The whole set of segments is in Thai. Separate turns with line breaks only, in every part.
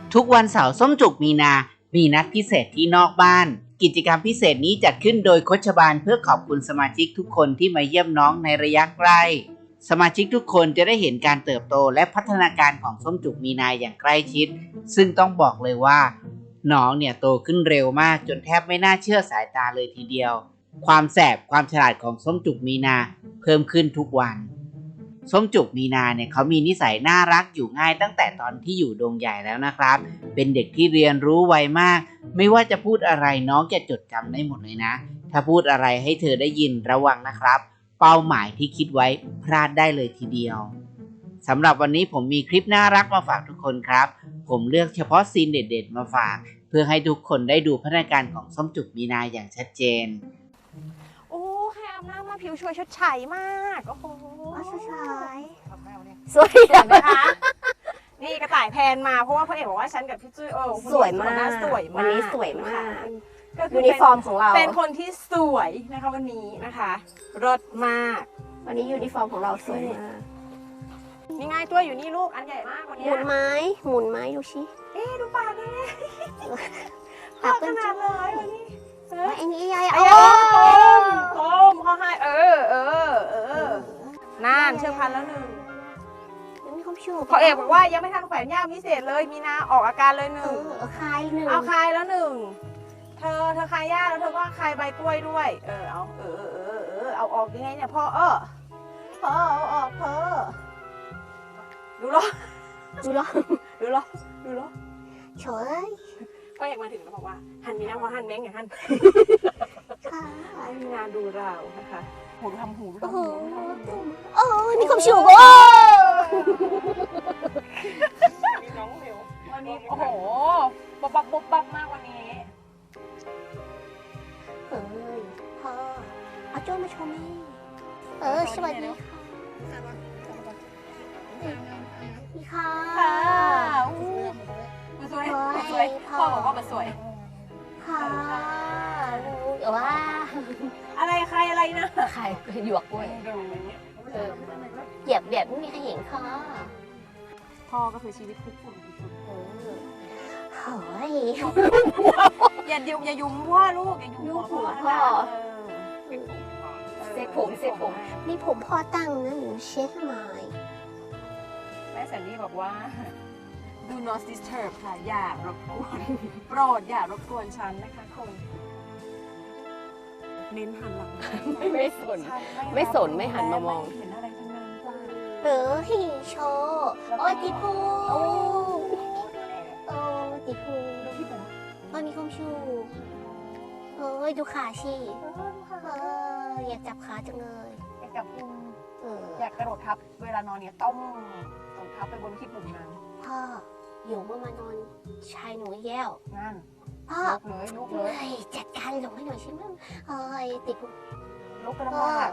ทุกวันเสาร์ส้มจุกมีนา มีนัดพิเศษที่นอกบ้าน กิจกรรมพิเศษนี้จัดขึ้นโดยโคชบาลเพื่อขอบคุณสมาชิกทุกคนที่มาเยี่ยมน้องในระยะใกล้สมาชิกทุกคนจะได้เห็นการเติบโตและพัฒนาการของส้มจุกมีนาอย่างใกล้ชิดซึ่งต้องบอกเลยว่าน้องเนี่ยโตขึ้นเร็วมากจนแทบไม่น่าเชื่อสายตาเลยทีเดียวความแสบความฉลาดของส้มจุกมีนาเพิ่มขึ้นทุกวันส้มจุกมีนาเนี่ยเขามีนิสัยน่ารักอยู่ง่ายตั้งแต่ตอนที่อยู่ดงใหญ่แล้วนะครับเป็นเด็กที่เรียนรู้ไวมากไม่ว่าจะพูดอะไรน้องจะจดจำได้หมดเลยนะถ้าพูดอะไรให้เธอได้ยินระวังนะครับเป้าหมายที่คิดไว้พลาดได้เลยทีเดียวสำหรับวันนี้ผมมีคลิปน่ารักมาฝากทุกคนครับผมเลือกเฉพาะซีนเด็ดๆมาฝากเพื่อให้ทุกคนได้ดูพัฒนาการของส้มจุกมีนาอย่างชัดเจน
โอ้แค่อาบน้ำมาผิวช่วยชดใฉมากโอ้โห
ชดใช้
สวยไหมคะนี่กระต่ายแพนมาเพราะว่าพ่อเอกบอกว่าฉันกับพี่จุ้ย
สวยมาก
สวยมาก
วันนี้สวยมาก
ยูนิฟอร์มของเราเป็นคนที่สวยนะคะวันนี้นะคะรสมาก
วันนี้ยูนิฟอร์มของเราสวยมาก
นี่ไงตัวอยู่นี่ลูกอันใหญ่มากวันนี้
หมุนไม้ดูชิ
ดูปากเลยปากขนาดเลยวันนี้
ไอ้นี่ใหญ่
โต้มเขาให้น่านเชือกพันแล้วหนึ่ง
ยังมีความชู
พ่อเอกบอกว่ายังไม่ทันแขวนย่ามพิเศษเลยมีนาออกอาการเลยหนึ่ง
คายหนึ่ง
เอาคายแล้วหนึ่งเธอคายย่าแล้วเธอก็คายใบกล้วยด้วยเอาเอาออกยังไงเนี่ยพ่อเอาออกพ่อดูหรอเฉ
ย
พ่อเอกมาถึงแล้วบอกว่าหันมีน้ำว่าหันแมงอย่างหันมีงานดูเรานะคะหูทำหู
มีความชู
มีน้องเร็ววันนี้โอ้โหบ๊อบมากวันนี้
พ่อเอาโจ้มาชมสวัสดีค่ะ
สวยพ่อบอกว่าสวย
ค่ะว่า
อะไรใครอะไรนะ
ใครหยวกกล้วยเหยียบแบบไม่มีใครเห็นค่ะ
พ่อก็คือชีวิตคุกฝุ่น
เฮ้ย
อย่ายุ่มพ่อลูกอย่ายุ่มพ่อ
เซ็ตผมนี่ผมพ่อตั้งนะหนูเช็คหน่อย
แม่แซนดี้บอกว่า Do not disturb ค่ะอย่ารบกวนโปรดอย่ารบกวนฉันนะคะคนเน้นหันหลัง
ไม่สนไม่หันมามอง
เห็นอะไรทั้งนั้นจ้า
ฮิโชติพูติพูมีความชูดูขาชีอยากจับขาจังเลย
อยากจับพุงอยากกระโดดทับเวลานอนเนี่ยต้องทับไปบนที่ปุ่มนั้น
พ่ออยู่เมื่อมานอนชายหนูแย่ว
นั่น
พ่อ
ลุกเลย
จัดการหลงให้หน่อยใช่ไหมติด
ลุกกระมาก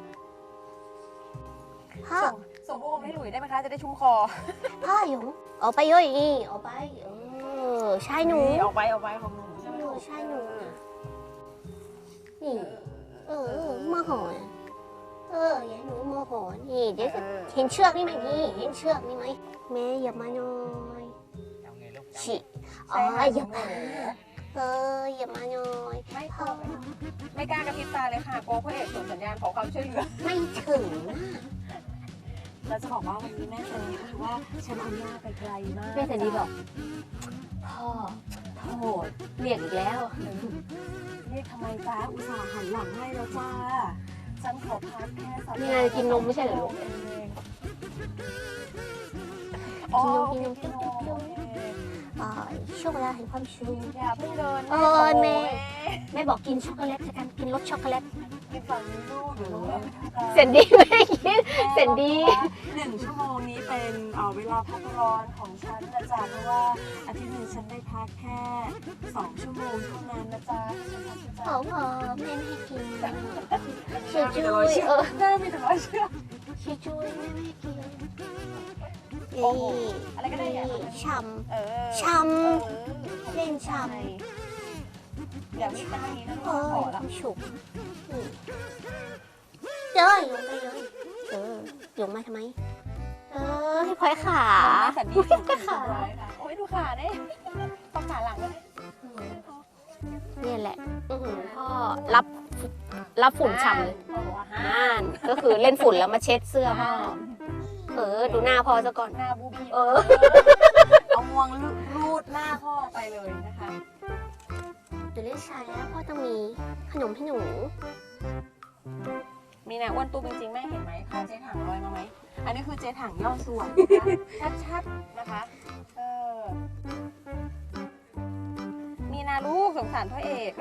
พ่อส่งพวกให้หลุยได้ไหมคะจะได้ชุ่มคอ
พ่อหยงออกไปเยอะอย่างนี้ออกไปชายหนู
ออกไปของหนู
ชายหนูนี่มาหอนอย่าหนูโมโหนี่เดี๋ยวเห็นเชือกนี่ไหมนี่เห็นเชือกนี่ไหมแม่อย่ามาหน่อยฉีอย่ามาอย่ามาหน่อย
ไม่กล้ากระพริบตาเลยค่ะโก้พ่อเอกส่งสัญญาณขอความช่วยเหลือ
ไม่ถึง
เราจะบอกว่าวันนี้แม่สันนีคือว่าฉันเอาหน้าไปไกลมาก
แม่สันนีบอกพ่อโหดเรียกอีกแล้ว
เรียกทำไมจ้าอุตส่าห์หันหลังให้แล้วจ้าฉันขอพักแค่
3 นี่ไงกินนมไม่ใช่เหรอลูกกินนมช่วงเวลาแห่งความชู
อย่าเพิ่งเดิน
แม่บอกกินช็อกโกแลตกันกินรสช็อกโกแลต
กินฝั่งนี้ลูก
เสร็จดีไหมกินเสร็จดี
1 ชั่วโมงนี้เป็นเวลาพักร้อนของฉันนะจ๊ะเพราะว่าอาทิตย์นึงฉันได้พักแค่2 ชั่วโมงเท่านั้นนะจ๊ะ
พอแม่ไม่กิน
ช่วยแม่มีแต่ร้อยเชือก
ช่วยแม่ไม่กิน
อะไรก็ได้
ช้ำเล่นช้ำ
อย่าวิ่งมาทางนี้นะขอละ
ฉุกเจ้ยลงไปเลยลงมาทำไมให้พลอยขา
สันดีขาไม่ดูขาเนี่ยต้องขาหลังเลย
เนี่ยแหละพ่อรับฝุ่นฉ่ำเลย
พ่อบอกว่าห้า
อ่านก็คือเล่นฝุ่นแล้วมาเช็ดเสื้อพ่อดูหน้าพ่อซะก่อน
หน้าบูบี้
เออ
เอางวงรูดหน้าพ่อไปเลยนะคะ
เดี๋ยวเล่นชายแล้วพ่อต้องมีขนมให้หนู
มีนะอ้วนตู้จริงๆแม่เห็นไหมขาเจ๊ถังลอยมาไหมอันนี้คือเจ๊ถังย่อส่วนนะคะชัดๆนะคะมีนาลูกสงสารพ่อเอก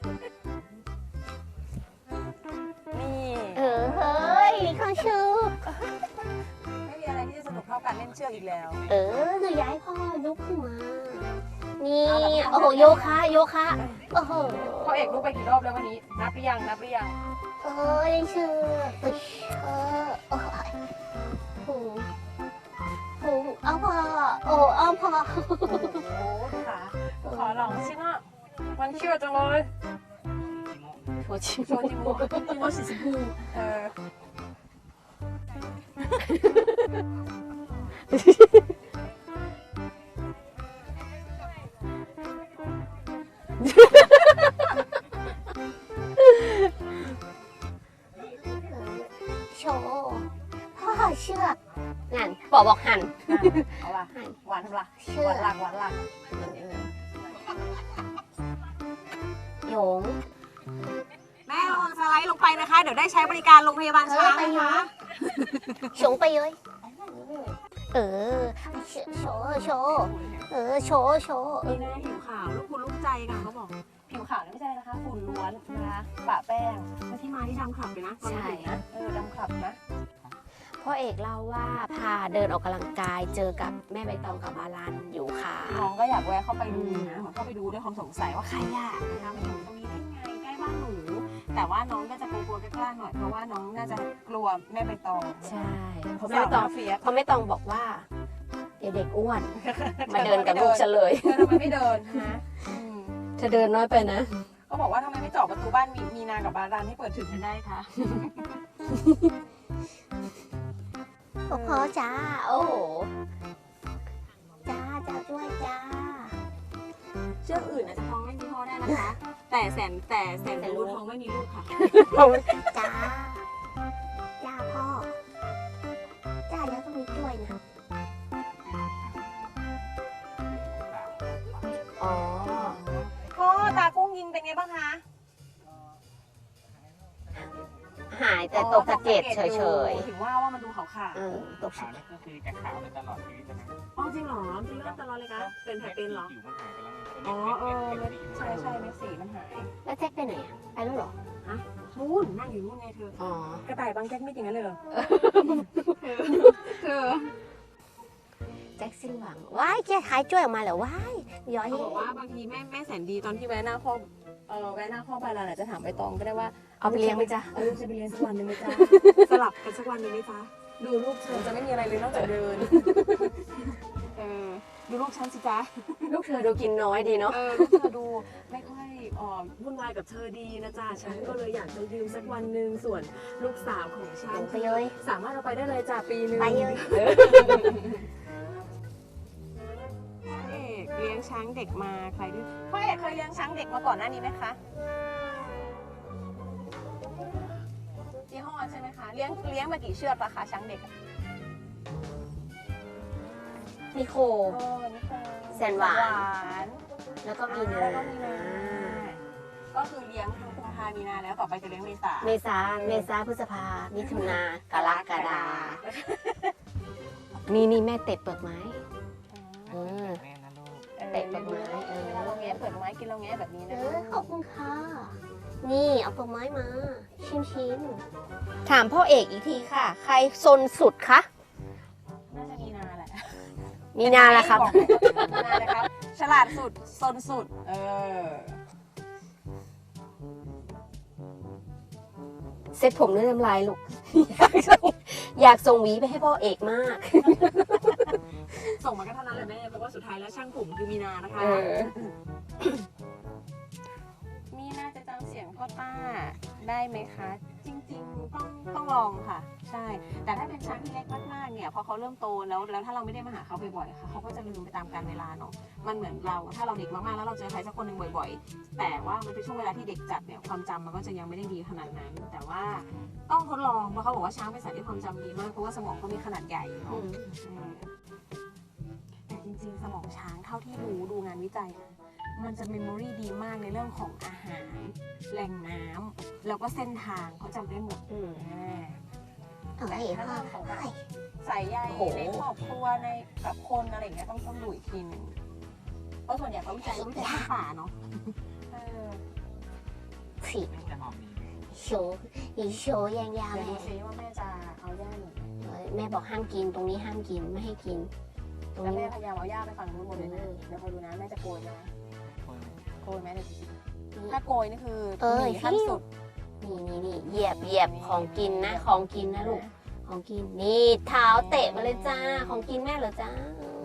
นี่
เฮ้ยข้างชืบ
ไม่มีอะไรที่จะสนุกเท่าการเล่นเชือกอีกแล้ว
หนูย้ายพ่อลุกขึ้นมา นี่ โอ้โห โยคะโอ้โห
พ่อเอกลุกไปกี่รอบแล้ววันนี้ นับหรือยัง
เล่นชืบโอ้ยหูเอาพ่อเอาพ่อ
โอ้โหดูขาหลองชิมะมันเชื่อจังเลย
โชชิ
โชจิโมสีชมพู
โชพ่อเชือกนั่นบอกหัน
เอาล่ะหวานทำล่ะ
เชื
ห
อ
วานหลักหวานหลัก
โยง
แม่ระวังสไลด์ลงไปนะคะ เดี๋ยวได้ใช้บริการโรงพยาบาลช้างนะคะ
ชงไปเลยโชโชโช
นี่นะผิวขาวลูกคุณลูกใจกันเขาบอกผิวขาวไม่ใช่นะคะฝุ่นล้วนนะคะปะแป้งแล้วที่มาที่ดำขับเลยนะใช่นะดำขับนะ
พ่อเอกเล่าว่าพาเดินออกกำลังกายเจอกับแม่ใบตองกับบาลันอยู่ค่ะ
น้องก็อยากแวะเข้าไปดูนะเข้าไปดูด้วยความสงสัยว่าใครอะนะคะมาอยู่ตรงนี้ได้ไงใกล้บ้านหนูแต่ว่าน้องก็จะกลัวๆกล้าๆหน่อยเพราะว่าน้องน่าจะกลัวแม่ใบตอง
ใช่เพราะ
แม่
แม่
ใบ
ต
ต
อ
อง งเฟียส
เพราะแม่ตองบอกว่าเดี๋ยวเด็กอ้วน มาเดินกับลูกฉันเลย
ทำไมไม่เดินนะ
เธอเดินน้อยไปนะ
ก็บอกว่าทำไมไม่เจาะประตูบ้านมีนากับบารันให้เปิดถึงกันได้คะ
พ่อจ้าโอ้โหจ้าด้วยจ้า
เชือกอื่นอาจจะท้องไม่มีพ่อได้นะคะ แต่แสนรู้ท้องไม่มีลูกค่ะ
จ้าพ่อจ้าแล้วก็มีกล้วยนะอ๋อ
พ่อตากุ้งยิงเป็นไงบ้างคะ
หายแต่ตกสะเก็ดเฉย
ถึงว่ามันดูขาว
ๆตก
ขาวนี่ก็คือจะขาวไปตลอดชีวิตนะ
ๆอ๋อจริงเหรอจริงตลอดเลยคะเป็นแผลเป็นเหรอ
ผิวมันหายไปแล้ว
อ๋อใช่เม็ดสีมันหาย
แล้วแจ็คไปไหนอะไปแล้วเหรอ
นู่นนั่งอยู่นู่นไงเธอ
อ๋อ
กระต่ายบางแจ็คไม่จริงงั้นเลยเหรอเธอ
แจ็คสิ้นหวังว้ายแกขายจ้วยออกมาเหรอว้ายย้อย
เขาบอกว่าบางทีแม่แสนดีตอนที่แวะหน้าคอกแวะหน้าคอกบาลานอาจจะถามใบตองก็ได้ว่า
เอาไปเลี้ยงไหมจ๊ะ
ลูกจะไปเรียนสักวันหนึ่งไหมจ๊ะ สลับกันสักวันหนึ่งไหมจ๊ะ ดูลูกฉันจะไม่มีอะไรเลยนอกจากเดิน ดูลูกฉันสิจ๊ะ
ลูกเธอดูกินน้อยดีเนาะ
ลูกเธอดูไม่ค่อยวุ่นวายกับเธอดีนะจ๊ะ ฉันก็เลยอยากจะยืมสักวันหนึ่งส่วนลูกสาวของฉัน
ไปเลย
สามารถเอาไปได้เลยจ้ะปีหนึง
ไปเลย
พ่อเอกเลี้ยงช้างเด็กมาใครด้วยพ่อเอกเคยเลี้ยงช้างเด็กมาก่อนหน้านี้ไหมคะยี่ห้อใช่ไหมคะเลี้ยงมากี่เชือกราคาช้างเด็ก
นิโค
นี่ค่ะ
แสนหวาน
น
แล้วก็มีนา
แล้วก็มีนาก็คือเลี้ยงทั้งกุมภามีนาแล้วต่อไปจะเลี้ยงเมษา
เมษาพฤษภามิถุนากรกฎานี่แม่เตะเปลือกไม้เตะเปลือกไม้
เวลาเราแงะเปิดไม้กินเราแงะแบบนี้นะ
ขอบคุณค่ะนี่เอาเปลือกไม้มาชิมถามพ่อเอกอีกทีค่ะ ใครซนสุดคะ
น่าจะมีนาแหละ
มีนาละครับ
มีนาเลยครับฉลาดสุดซนสุด
เซ็ตผมด้วยน้ำลายลูก อยากส่งหวีไปให้พ่อเอกมาก
ส่งมาก็เท่านั้นแหละแม่เพราะว่าสุดท้ายแล้วช่างผมคือมีนานะคะมีนาจะจำเสียงพ่อต้าได้ไหมคะ จริงๆต้องต้องลองค่ะ ใช่ แต่ถ้าเป็นช้างที่เล็กมากๆเนี่ยพอเขาเริ่มโตแล้วถ้าเราไม่ได้มาหาเขาบ่อยๆค่ะเขาก็จะลืมไปตามกาลเวลาเนาะมันเหมือนเราถ้าเราเด็กมากๆแล้วเราเจอใครสักคนหนึ่งบ่อยๆ แต่ว่ามันเป็นช่วงเวลาที่เด็กจัดเนี่ยความจำมันก็จะยังไม่ได้ดีขนาดนั้น แต่ว่าต้องทดลองเพราะเขาบอกว่าช้างเป็นสัตว์ที่ความจำดีมากเพราะว่าสมองเขามีขนาดใหญ่เนาะแต่จริงๆสมองช้างเท่าที่ดูงานวิจัยนะมันจะเมมโมรีดีมากในเรื่องของอาหารแหล่งน้ำแล้วก็เส้นทางเขาจำได้หมด
เอ้ยพ่อเอ้ย
ใส่ใยในครอบครัวในกับคนอะไรอย่างเงี้ยต้องดูอีกทีหนึงเพราะส่วนใหญ่เขาวิจัยที่ป่าเนาะ
สิ
จะหอมดี
โชว์อีโชว์ยาว
เดี๋ยว
ๆ
ดู
แม่
ซิว่าแม่จะเอาหญ้าหนู
แม่บอกห้ามกินตรงนี้ห้ามกินไม่ให้กิน ตรง
แล้ว
นี้
แม่พยายามเอาหญ้าไปฝั่งนู้นหมดเลยนะเดี๋ยวคอยดูนะแม่จะโกยไหมโกยไหมเดี๋ยวดูสิถ้าโกยนี่คือหนีขั้นสุด
นี่เหยียบของกินนะของกินนะลูกของกินนี่เท้าเตะมาเลยจ้าของกินแม่เหรอจ้า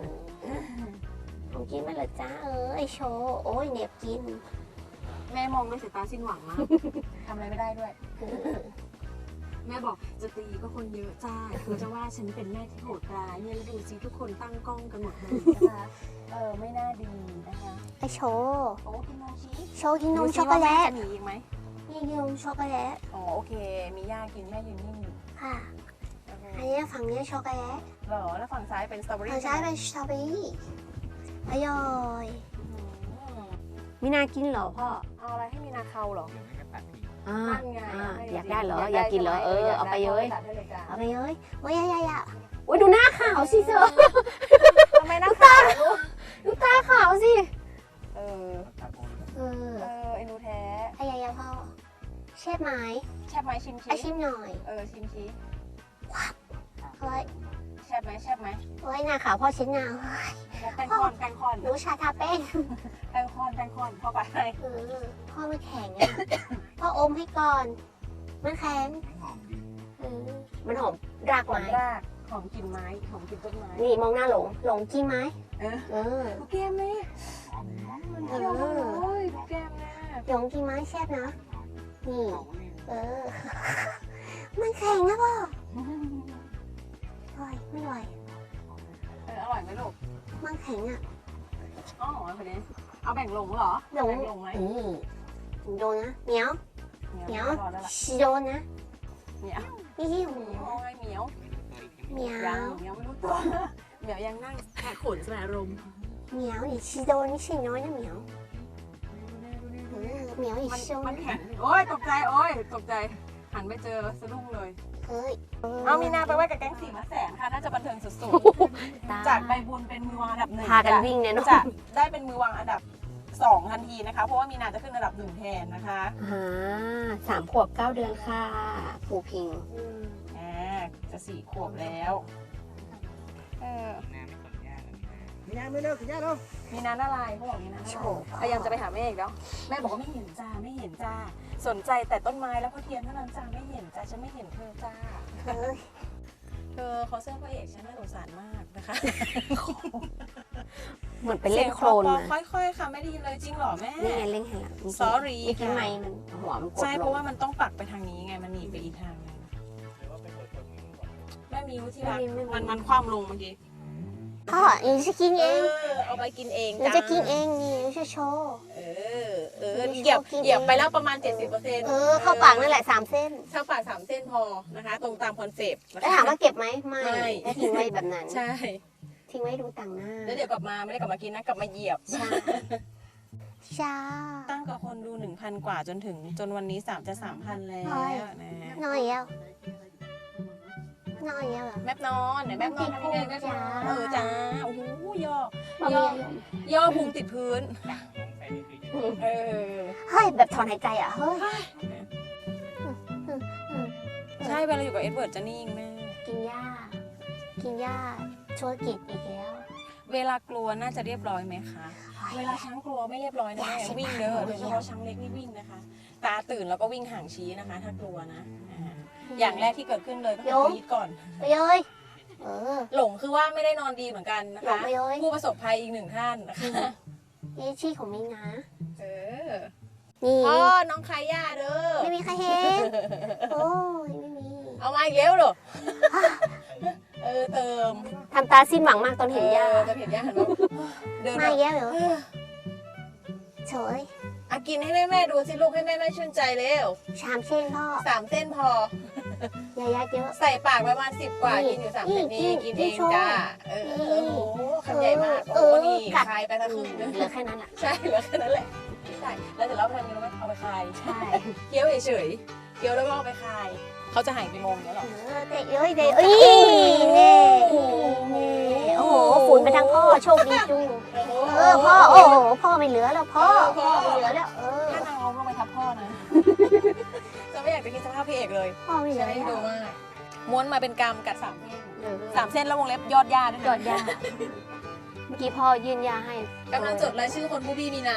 ของกินแม่เหรอจ้าไอโชว์โอ้ยเหน็บกิน
แม่มองด้วยสายตาสิ้นหวังมากทำอะไรไม่ได้ด้วย แม่บอกจะตีก็คนเยอะจ้าคือจะว่าฉันเป็นแม่ที่โหดร้ายเนี่ยแล้วดูสิทุกคนตั้งกล้องกันหมดเลยนะคะไม่น่าดีนะคะ
ไอโชว์
โอ้กินนมชีส
โชว์กินนมช็อกโกแลต
จะหนีอีกไหม
นี่กินนมช็อกโกแลต
อ๋อโอเค มีย่ากินแม่ยืนนิ่งอยู่
ค่ะอันนี้ฝั่งนี้ช็อกโกแลต
เหรอแล้วฝั่งซ้ายเป็นสตรอเบอรี่
ฝั่งซ้ายเป็นสตรอเบอรี่อร่อยมีนากินเหรอพ่อ
เอาอะไรให้มีนาเขาเหรอ
เดี๋ยวไม่ก็ตัดทิ้ง
นั่นไง
อยากได้เหรออยากกินเหรอเอาไปเลย
ตัดได้เลยจ้ะ
เอาไปเลยโอ้ยยะโอ้ยดูหน้าขาวสิเธอ
ทำไมหน้าขาวลูก
ดูตาขาวสิ
เออ
ตัดโอ้ย
เอ็นดูแท้
ไอ้ยะพ่อเช็ดไหม
แชบไหมชิม
ไอชิมหน่อย
ชิมชี
เฮ้ย
แชบไหม
โอ้ยหน้าขาวพ่อเช็ดหน้า
แป้งคอน
หนูชาทาแป้ง
แป้งคอนเข้าไป
พ่อมันแข็งอ่ะพ่ออมให้ก่อน มันแข็ง
หอมดี
มันหอมราก
หอ
ไม้
มรากหอมกลิ่นไม้หอมกลิ่นต้นไม้
นี่มองหน้าหลงกินไหม
ดูแก้มนี่
หอมดี
มันเที่ยวเลยดูแก้มนะ
หลงกินไหมแซ่บนะ นี่มันแข็งนะพ่อไม่ไหว
อร่อยไหมลูก
มันแข็งอ่ะ
อ๋อคนนี้เอาแบ่งลงเหรอ
หลง
แบ่งลงไหม
โดนนะเหมียว
เหนียวรอแล้วล่ะ
โดนนะ
เหนียว
นี่
เหนียว
เหมียว
เหนียวไม่รู้ตัวเหนียวยังนั่งแอบขนแสบลม
เหมียว你吃的你是น้อยนะเหมียวเหมียวอีก
มัน
โซน
มันแข็งโอ้ยตกใจตกใจหันไปเจอสะดุ้งเลย
เฮ้ย
เอามีนาไปไว้กับแก๊งสี่มาแสนค่ะน่าจะบันเทิงสุดๆจากใบบุญเป็นมือวางอันดับ1
พากันวิ่งเนี่ยเนาะ
จะได้เป็นมือวางอันดับ2ทันทีนะคะเพราะว่ามีนาจะขึ้นอันดับ1แทนนะคะ
3 ขวบ 9 เดือนค่ะผูพิง
จะ4 ขวบแล้ว
หน้าไม่ขนยากอันนี้
มีน้ำไม่เลิกกินยาเนาะ
มีนาอะไรเขาบอกมีนาพยายามจะไปหาแม่อีกแล้วแม่บอกว่าไม่เห็นจ้าสนใจแต่ต้นไม้แล้วก็เทียนเท่านั้นจ้าไม่เห็นจ้าฉันไม่เห็นเธอจ้า
เฮ้ย
เธอเขาเสื้อพระเอกฉันน่าสงสารมากนะคะ
เหมือนเป็นเล่นโครน
นะ
นะ
ค่อยๆค่ะไม่ได้ยินเลยจริงเหรอแม่
นี่ไงเล่นให้หลัง
Sorry
เมื่อกี้ไม่มันหัวมันกด
ใช่
ล
เพราะ
ง
ว่ามันต้องปักไปทางนี้ไงมันหนีไปอีกทางนึงแม่มิวที่รักมันคว่ำลงเมื่อกี้
พ่อหนูจะกินเอง
เอาไปกินเอง
หนูจะกินเองนี่หนูจะโชว์
เหยียบไปแล้วประมาณ 70%
เข้าปากนั่นแหละ3 เส้น
เข้าปาก3 เส้นพอนะคะ ตรงตามคอนเซปต์นะ
แล้ว
คะ
ถามว่าเก็บไหมไม่
ไม่
แล้วทิ้งไว้แบบนั้น
ใช่
ทิ้งไว้ดูต่างหน้า
แล้วเดี๋ยวกลับมาไม่ได้กลับมากินนะกลับมาเหยียบ
ใช่ช้า
ตั้งกับคนดู 1,000 กว่าจนวันนี้จะ 3,000 แล้วนะ
น้อยแล้วน้อยแล้วเหรอ
แมบนอนไหนแมบนอนทำยังไงแมบนอนจ้าโอ้โหย่อ
บ่มีอารมณ์
ย่อพุงติดพื้นเออ
เฮ้ยแบบถอนหายใจอ่ะเฮ้ย
ใช่เวลาอยู่กับเอ็ดเวิร์ดจะนิ่งแม่
กินหญ้าธุรกิจอีกแล้ว
เวลากลัวน่าจะเรียบร้อยไหมคะ เวลาช้างกลัวไม่เรียบร้อยนะแม่วิ่งเด้อโดยเฉพาะช้างเล็กนี่วิ่งนะคะ ตาตื่นแล้วก็วิ่งห่างชี้นะคะ ถ้ากลัวนะอย่างแรกที่เกิดขึ้นเลยก็คือกรีดก่อน
ไปเลย
หลงคือว่าไม่ได้นอนดีเหมือนกันนะ
หลง
คะ
ไปเลย
ผู้ประสบภัยอีก1 ท่านนะคะ
นี่ชื่อของมิงนะ
อ
นี่
พ่อน้องคาย่าเด้อ
ไม่มีใครเห็นโอ้ยไม่มี
มาอีกแล้วเหรอเติม
ทำตาสิ้นหวังมากตอนเห็นย่า
ตอนเห็นย่าหันมาเดิน
มาอีกแล้วเหรอเฉย
กินให้แม่ดูสิลูกให้แม่ชื่นใจเร็ว
ชามเส้นพ่อ
3 เส้นพอ
อย่ายัดเยอะ
ใส่ปากประมาณ10 กว่ากินอยู่3 เส้นนี่กินเองจ้าโอ้โหคำใหญ่มากโอ้นี่คายไปทั้งครึ่ง
เหลือแค่นั้นอ่ะ
ใช่เหลือแค่นั้นแหละใช่แล้วเสร็จแล้วทำยังไงรู้ไหมเอาไปคาย
ใช่
เคี้ยวเฉยๆเคี้ยวแล้วก็เอาไปคายเขาจะหายกี่โมงเนี้ยหรอ
เตะเอ้ยเตะเอ้ยเน่โอ้โหฝุ่นไปทางพ่อโชคดีจุงพ่อโอ้โหพ่อไม่เหลือแล้วพ่อไม่เหลือแล้ว
ถ้านางเอาลงไปทับพ่อนะจะไม่อยากจะคิดสภาพพี่เอกเลย
พ่อไม่เหลื
จะ
อ
ได้
แล้ว
ดูมากม้วนมาเป็นกำกัด3 เส้น3 เส้นแล้ววงเล็บยอดยาด้วย
จอดยาเมื่อกี้พ่อยื่นยาให้
กำลังจดรายชื่อคนผู้พี่มีนา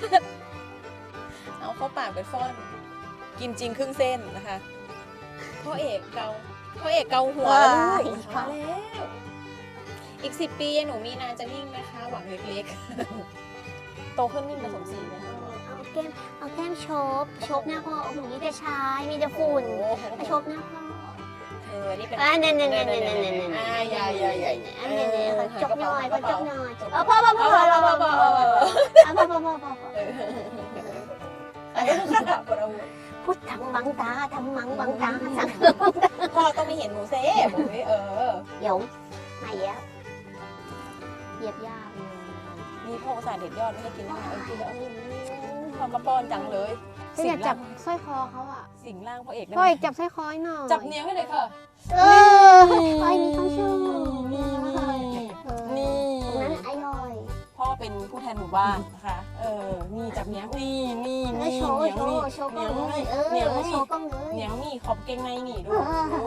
เอาเข้าปากไปฟ้อนกินจริงครึ่งเส้นนะคะพ่อเอกเกาหัวแล้วลูกพอแล้วอีก10 ปีหนูมีนาจะนิ่งนะคะหวังเล็กๆโตขึ้นนิ่งผสมสีนะคะ
เอาแก้มโชบหน้าพ่อโอ้โหมีแต่ชายมีแต่ฝุ่นโชบหน้าพ่อ
นี่เป็น
เนี่ย
อย่า
อันนี้จบหน่อยก็จบหน่อยพ่อพูดทำบังตาสั่ง
พ่อต้องไม่เห็นหนูเซ่ผม
เดี๋ยวมาเยอะเหยียบยา
มีพ่ออุตส่าห์เด็ดยอดไม่ให้กินนะกินแล้วทำมาป้อนจังเลย
อยากจับสร้อยคอเขาอ่ะ
สิงร่างพ่อเอก
พ่อเอกจับสร้อยคอหน่อย
จับเนี้ยให้เลยค่ะ
พ่อมีความชื่อ
นี่
ตรงนั้นไอ้ย่อย
พ่อเป็นผู้แทนหมู่บ้านนะคะนี่จับเนี้ยนี่
โชว์กล้องเลยโชว์กล้องเลย
เนี้ยนี่ขอบเกงในนี่ดู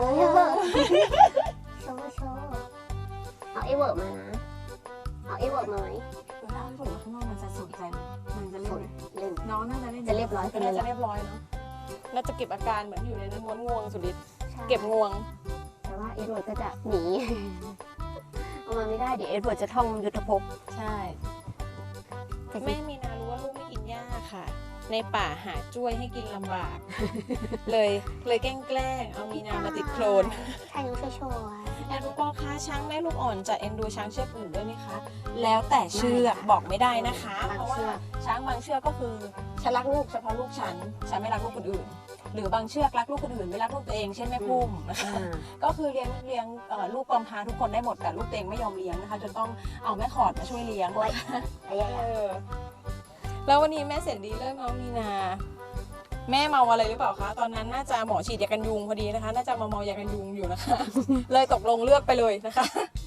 โชว์เอาไอ้เวิร์กมานะเอาไอ้เวิร์กมาไหม
ถ้าฝุ่นข้างนอกมันจะสนใจมันจะเล่น น้องน่าจะเล่น
จะเรียบร้อย
จะเรียบร้อยเนาะน่าจะเก็บอาการเหมือนอยู่ในนั้นม้วนงวงสุดฤทธิ์เก็บงวง
แต่ว่าเอ็ดเวิร์ดก็จะหนีเอามาไม่ได้เดี๋ยวเอ็ดเวิร์ดจะท่องยุทธภพ
ใช่แม่มีนารู้ว่าลูกไม่กินหญ้าค่ะ ในป่าหาจ้วยให้กินลำบาก เลยแกล้งเอามีนามาติดโคลน
ใช่น้องช่วย
แอนรู้ปอคะช้างแม่ลูกอ่อนจะเอ็นดูช้างเชือกอื่นด้วยไหมคะแล้วแต่เชือกบอกไม่ได้นะคะเพราะว่าช้างบางเชือกก็คือฉันรักลูกเฉพาะลูกฉันไม่รักลูกคนอื่น หรือบางเชือกรักลูกคนอื่นไม่รักลูกตัวเองเช่นแม่พุ่มนะคะก็คือเลี้ยงลูกกำพร้าทุกคนได้หมดแต่ลูกตัวเองไม่ยอมเลี้ยงนะคะจนต้องเอาแม่ขอดมาช่วยเลี้ยงแล้ววันนี้แม่เสร็จดีเริ่มเอามีนาแม่เมาอะไรหรือเปล่าคะตอนนั้นน่าจะหมอฉีดยากันยุงพอดีนะคะน่าจะเมายากันยุงอยู่นะคะ เลยตกลงเลือกไปเลยนะคะ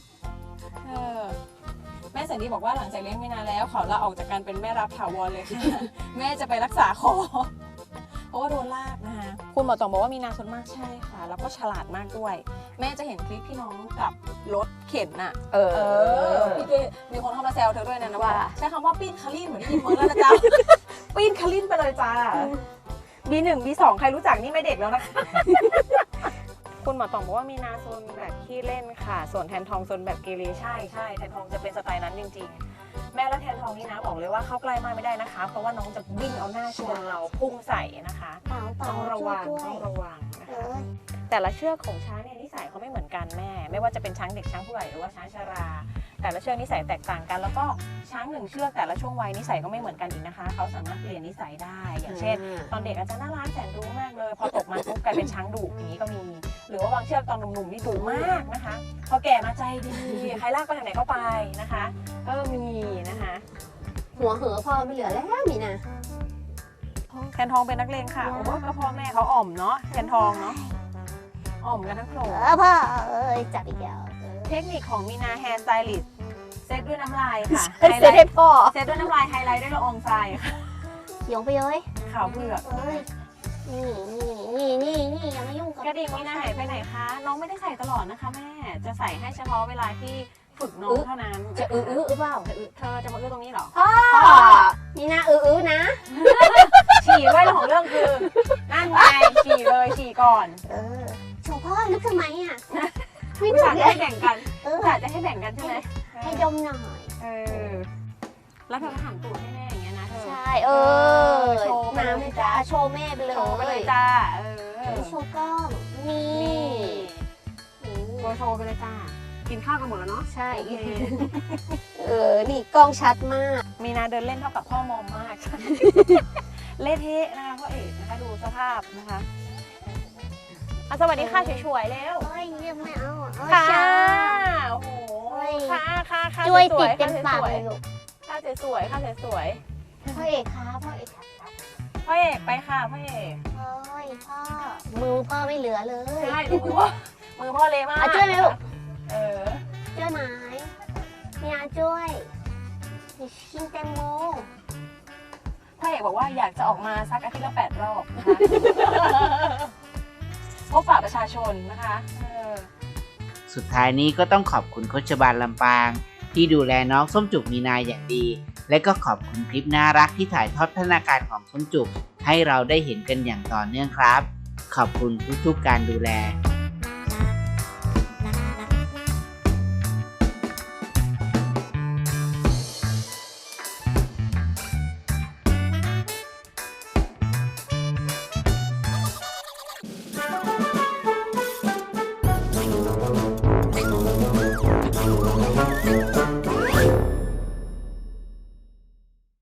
แม่แสนดีบอกว่าหลังจากเลี้ยงมีนาแล้วขอลาออกจากการเป็นแม่รับถาวรเลยค่ะ แม่จะไปรักษาคอเพราะว่าโดนลากนะคะคุณหมอต๋องบอกว่ามีนาสนมากใช่ค่ะแล้วก็ฉลาดมากด้วยแม่จะเห็นคลิปพี่น้องกับรถเข็นน่ะพี่ด้วยมีคนเข้ามาแซวเธอด้วยนะว่าใช้คำว่าปีนคารินเหมือนที่ยินเมืองแล้วนะจ๊ะ ปีนคารินไปเลยจ้าB1 B2 ใครรู้จักนี่ไม่เด็กแล้วนะคะ คุณหมอต๋องบอกว่ามีนาโซนแบบขี้เล่นค่ะส่วนแทนทองโซนแบบเกเรใช่แทนทองจะเป็นสไตล์นั้นจริงๆแม่และแทนทองนี่นะบอกเลยว่าเข้าใกล้มากไม่ได้นะคะเพราะว่าน้องจะวิ่งเอาหน้าชนเราพุ่งใส่นะคะต้องระวังนะคะแต่ละเชือกของช้างเนี่ยนิสัยเขาไม่เหมือนกันแม่ไม่ว่าจะเป็นช้างเด็กช้างผู้ใหญ่หรือว่าช้างชราแต่ละเชือกนิสัยแตกต่างกันแล้วก็ช้าง1 เชือกแต่ละช่วงวัยนิสัยก็ไม่เหมือนกันอีกนะคะเขาสามารถเปลี่ยนนิสัยได้อย่างเช่นตอนเด็กอาจจะน่ารักแสนรู้มากเลยพอตกมาปุ๊บกลายเป็นช้างดุอย่างนี้ก็มีหรือว่าบางเชือกตอนหนุ่มๆนี่ดุมากนะคะพอแก่มาใจดีใครลากไปทางไหนก็ไปนะคะมีนะคะ
หัวเหอพ่อไม่เหลือแล้วมีนะ
แทนทองเป็นนักเลงค่ะโอ้โหก็พ่อแม่เขาอ่อมเนาะแทนทองเนาะอ่อมกันทั้งโขลง
พ่อจับอีกแล้ว
เทคนิคของมีนาแฮร์สไตลิสต์เซตด้วยน้ำลายค่ะ
เซตให้พ่อ
เซตด้วยน้ำลายไฮไลท์ด้วยละอองทรายค่ะ
โยงไปเลย
ขาวเผือก
นี่อย่ามายุ่งกับ
กระดิ่งมีนาหายไปไหนคะน้องไม่ได้ใส่ตลอดนะคะแม่จะใส่ให้เฉพาะเวลาที่ฝึกน้องเท่านั้น
จะเปล่า
เธอจะมาตรงนี้เหรอ
พ่อมีนานะ
ฉี่ด้วยของเรื่องคือนั่นไงฉี่เลยฉี่ก่อน
โชว์พ่อลึกทำไมอ่ะไม่
อยาก
เล
จะให้
ย
แบ่งกันอยากจะให้แบ่งกันใช่ไหม
ให้ดมหน่อย
แล้วเธอก็หันตูดให้แม่อย่างเงี้ยนะเธอ
ใช่โชว์น้ำเลยจ้าโชว์แม่ไปเลย
โชว์ไปเลยจ้า
โชว์กล้องนี่
โชว์ไปเลยจ้ากินข้าวกันหมดแล้วเนาะ
ใช่
โอเค
นี่กล้องชัดมาก
มีนาเดินเล่นเท่ากับพ่อมอมมาก เละเทะนะคะพ่อเอกนะคะดูสภาพนะคะสวัสดีค่ะสวยๆแล้ว
โอ้ยยังไม่เอาโอ้ย
ค่ะ
ช้า
โอ้โห
โอ้ย
ค่ะ
ช่วย
ส
ติ
ว
ด
ๆ
เต็มปากเลยลูก
ค่ะสวยๆค่ะสวย
พ่อเอกคะพ่อเอกครับ
ๆพ่อเอกไปค่ะพ่อเอก
โอ้ยพ่อมือพ่อไม่เหลือเลย
ใช่ดูมือพ่อเละมาก
อ่ะช่วยไหมลูก
เออ
ช่วยไหมมีอาช่วยกินแตงโม
พ่อเอกบอกว่าอยากจะออกมาสักอาทิตย์ละ8 รอบนะคะ พบปะประชาชนนะคะ
สุดท้ายนี้ก็ต้องขอบคุณโคชบาลลำปาง ที่ดูแลน้องส้มจุกมีนาอย่างดี และก็ขอบคุณคลิปน่ารักที่ถ่ายทอดพัฒนาการของส้มจุกให้เราได้เห็นกันอย่างต่อเนื่องครับ ขอบคุณทุกๆการดูแล